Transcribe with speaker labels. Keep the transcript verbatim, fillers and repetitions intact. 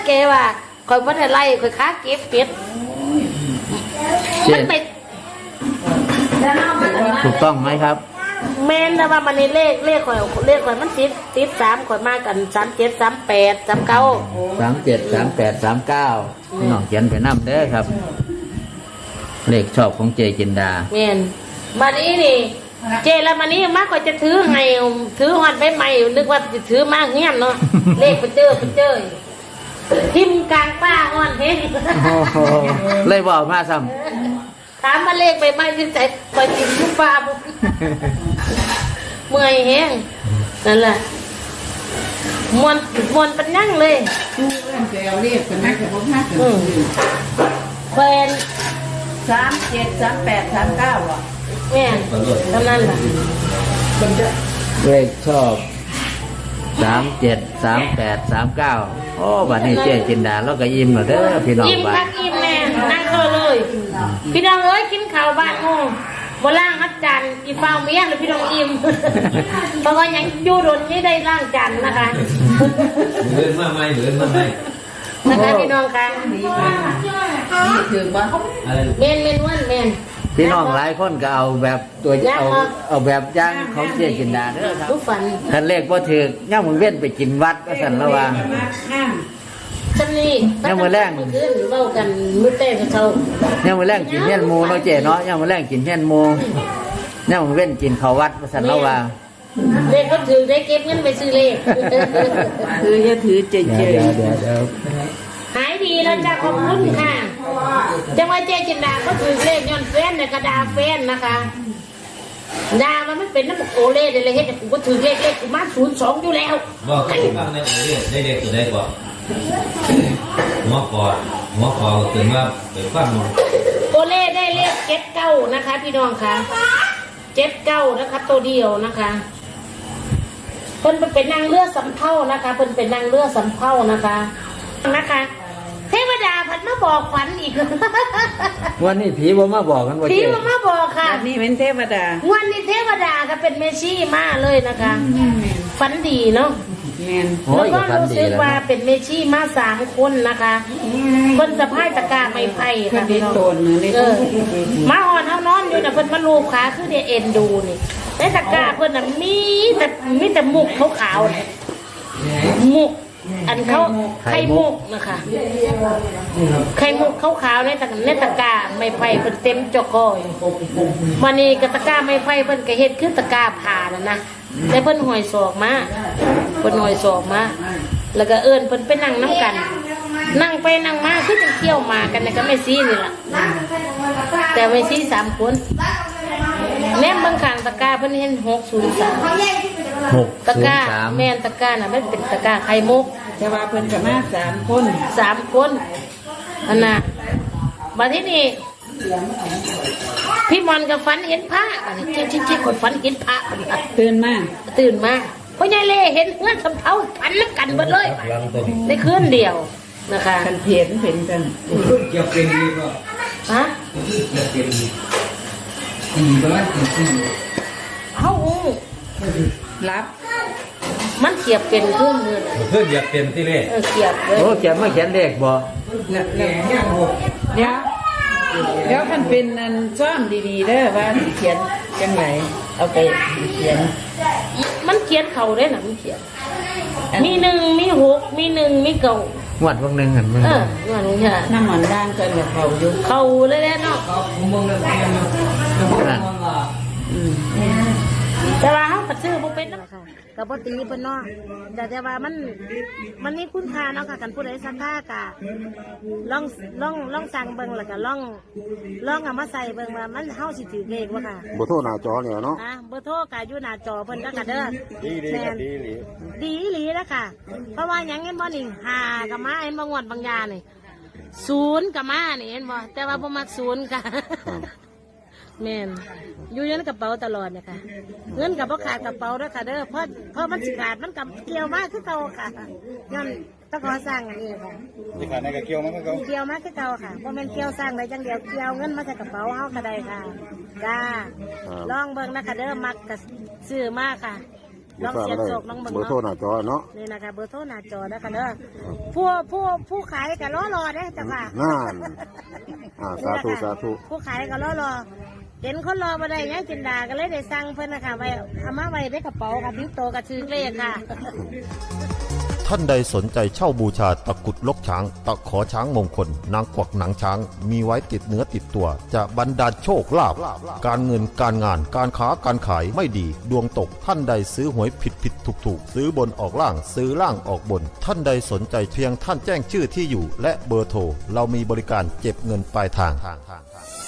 Speaker 1: เกว่าคอยพัดไล่คอยค้าเก็บเป็ดมันเป็ด
Speaker 2: ถูกต้องไหมครับ
Speaker 1: แม่นนะว่ามันในเลขเลขข่อยเลขข่อยมันติดติดสามข่อยมากันสามเจ็ดสามแปดสามเก้า
Speaker 2: สามเจ็ดสามแปดสามเก้าพี่น้องเขียนไปน้ำเด้อครับเลขชอบของเจจินดา
Speaker 1: แม่นวันนี้นี่เจแล้ววันนี้มากกว่าจะถือไงถือหอดใบใหม่นึกว่าจะถือมากเงี้ยเนาะเลขไปเจอไปเจอทิมกลางป้าอ่อนเฮ้
Speaker 2: เลยบอกมาซ้
Speaker 1: ำถามมาเลขไปไม่ที่ใจคอยทิมทุกป้าเมื่อยแห้งนั่นแหละมวนมวนเป็นยั่งเลย
Speaker 3: ดูเรื่องแกวเรียกกันไหมกับพวกห้าสิบ
Speaker 1: แควน
Speaker 3: สามเจ็ดสามแปดสามเก้าอ่ะ
Speaker 1: แม่เท่านั้นแหละ
Speaker 2: เลขชอบสามเจ็ดสามแปดสามเก้าโอ้บัดนี้เจ๊จินดาแล้วก็อิ่มแล้วเด้อพี่น้อง
Speaker 1: อิ่มคักอิ่มแม่นั่งเธอเลยพี่น้องเอ้ยกินข้าวบ้านงูโบล่างอัดจันอีฟ้าเมียหรือพี่น้องอิ่มเพราะว่ายังอยู่โดนไม่ได้ล่างจันนะคะ
Speaker 4: เหมือนมาไหมเหมือนมาไหม
Speaker 1: นะคะพี่น้องค่ะ
Speaker 3: ถือว่า
Speaker 1: เมนเมนวันเมน
Speaker 2: พี่น้องหลายคนก็เอาแบบตัวเอาเอาแบบย่างของเจ๊จินดาเด้อครับท่านเลขว่าถือย่ามึงเว้นไปกินวัดก็สั่นระวัง
Speaker 1: จำนี่
Speaker 2: ย่ามือแรง
Speaker 1: เล่ากันมือเต้กับเขา
Speaker 2: ย่ามือแรงกินเฮี้ยนมูเนาะเจ๊เนาะย่ามือแรงกินเฮี้ยนมูย่ามึงเว้นกินเขาวัดก็สั่นระวัง
Speaker 1: เลขก็ถือได้เก็บเงินไปซื้อเลข
Speaker 3: ถือจะถือเจ๊เจ๊
Speaker 1: หายดีแล้วจ้าขอบคุณค่ะจังว่าเจ๊จินดาก็ถือเลขย้อนแฟนในกระดาแฟนนะคะดามันไม่เป็นน้ำโอเล่เลยเฮ็ดกูก็ถือเลขเลขกูมาศูนย์สองอยู่แล้ว
Speaker 4: บอกให้ฟังในโอเล่ได้เด็กตัวได้ก่อนหมอก่อนหมอก่อนถึงว่าไปฟัง
Speaker 1: โอเล่ได้เลขเจ็ดเก้านะคะพี่น้องค่ะเจ็ดเก้านะคะตัวเดียวนะคะเพิ่นเป็นนางเลือดสำเภานะคะเพิ่นเป็นนางเลือดสำเภานะคะนะคะเทวดาพัดมาบอกฝันอีก
Speaker 2: วันนี้ผีบ่มาบอกกันว่า
Speaker 1: ผีบ่มาบอกค่ะ
Speaker 3: นี่เป็นเทวดา
Speaker 1: วันนี้เทวดาก็เป็นเมชี่มาเลยนะคะฝันดีเนาะแล้วก็รู้สึกว่าเป็นเมชี่มาสามคนนะคะคนสะพายตะกร้าไม้ไผ่ค่ะพี่น้องเออมาอ่อนเท่านอนอยู่นะเพิ่นมาลูบขาคือเดี๋ยวเอ็นดูนี่ในตะกร้าเพิ่นน่ะมีแต่มีแต่มุกขาวๆเนี่ยมุกอันเขาไข่มุกนะคะไข่มุกขาวๆในตะในตะกร้าไม้ไผ่เพิ่นเต็มจอกอยวันนี้กตะกร้าไม้ไผ่เพิ่นก็เฮ็ดคือตะกร้าผ่าน่ะนะแต่เพิ่นหอยศอกมาเพิ่นหอยศอกมาแล้วก็เอิ้นเพิ่นไปนั่งน้ำกันนั่งไปนั่งมาคือจะเที่ยวมากันนะก็ไม่ซีนี่ล่ะแต่ไม่ซีสามคนแนมบางข้างตะกร้าเพิ่นเห็นหกศูนย์สาม
Speaker 2: หก
Speaker 1: ตะกร้าแม่นตะกร้าน่ะมันเป็นตะกร้าไข่มุก
Speaker 3: แต่ว่าเพิ่นก็มาสามคน
Speaker 1: สามคนอันน่ะมาที่นี่พี่มอนกับฝันเห็นพระอันนี้จิ๊กจิ๊กคนฝันเห็นพระ
Speaker 3: ตื่นมา
Speaker 1: ตื่นมาเพราะยายเล่เห็นเพื่อนสำเภาพันน้ำกันหมดเลยในคืนเดียวนะคะ
Speaker 3: กันเพียนเห็นกัน
Speaker 4: เกี่ยวเป็นดีก็
Speaker 1: ฮะ
Speaker 4: เกี่ยวเป็นดีอืมประมาณสี่
Speaker 1: เฮ้า
Speaker 3: รับ
Speaker 1: มันเกียบเป็นเครื่องมือ
Speaker 4: เพื่อเกี่ยวเป็นที่เล่
Speaker 1: เออเกียบเลย
Speaker 2: โอ้เกียบไม่เขียนเลขบ่
Speaker 3: เดี๋ยวเดี๋ยวมันเป็นอันซ่อมดีๆเด้อว่าเขียนจังไหนเอาไปเขียน
Speaker 1: มันเขียนเข่าได้หนังเขียนมีหนึ่งมีหกมีหนึ่งมีเก่า
Speaker 2: หวัดวันหนึ่งหัน
Speaker 1: มาเออหวัดนี่ค่ะ
Speaker 3: น้ำมันด่างกันกับเขาอยู่
Speaker 1: เข่าเลยแหละเนาะแต่ว่าเขาปัดซื้อพวกเป็นนะค่ะกับปกติเป็นเนาะแต่แต่ว่ามันมันนี่คุณค่าเนาะค่ะกันผู้ใดสักค่ากะลองลองลองสั่งเบิ่งแล้วก็ลองลองเอามาใส่เบิ่งว่ามันเฮาสิถือเลขว่าค่ะ
Speaker 5: เบอร์โทรหน้าจอเนี่ยเนาะ
Speaker 1: อ่ะเบอร์โทรก็อยู่หน้าจอเพิ่นก็กะเด้อ
Speaker 5: ดีดีดีหลี
Speaker 1: ดีหลีแล้วค่ะเพราะว่าหยังเห็นบ่นี่หากับมาเห็นบ่งวดบางยานี่ศูนย์กับมานี่เห็นบ่แต่ว่าบ่มักศูนย์ค่ะแม่นอยู่ในกระเป๋าตลอดเนี่ยค่ะเงินกับพ่อขาดกระเป๋าด้วยค่ะเด้อเพราะเพราะมันสิขาดมันกับเกี่ยวมากคือเก่าค่ะย้อนต้องขอสร้างอันนี้ค่ะ
Speaker 5: สิขาดในกระเกี่ยวมากคือเก่า
Speaker 1: เกี่ยวมากคือเก่าค่ะเพราะมันเกี่ยวสร้างได้จังเดียวเกี่ยวเงินมาใส่กระเป๋าเฮาก็ได้ค่ะจ้าลองเบิ่งนะคะเด้อมักกับซื้อมากค่ะลองเสียงโศกลองเบิ่ง
Speaker 5: เบอร์โทร
Speaker 1: เนาะ
Speaker 5: หน้าจอเนาะ
Speaker 1: นี่นะคะเบอร์โทรหน้าจอนะคะเด้อผู้ผู้ผู้ขายก็รอรอเด้อจ้ะค่ะ
Speaker 5: นั่นอ่าสาธุสาธุ
Speaker 1: ผู้ขายก็รอรอเห็นคนรอมาได้ยังจินดาก็เลยได้สั่งเพิ่นนะคะไว้เอามาไว้ในกระเป๋าค่ะบิ๊กโตกับชื่อเลขค่ะ
Speaker 6: ท่านใดสนใจเช่าบูชาตะกรุดลกช้าง ตะขอช้างมงคล นางกวักหนังช้าง มีไว้ติดเนื้อติดตัว จะบรรดาลโชคลาภการเงินการงานการค้าการขายไม่ดี ดวงตกท่านใดซื้อหวยผิดผิดถูกถูกซื้อบนออกล่างซื้อล่างออกบน ท่านใดสนใจเพียงท่านแจ้งชื่อที่อยู่ และเบอร์โทรเรามีบริการเก็บเงินปลายทาง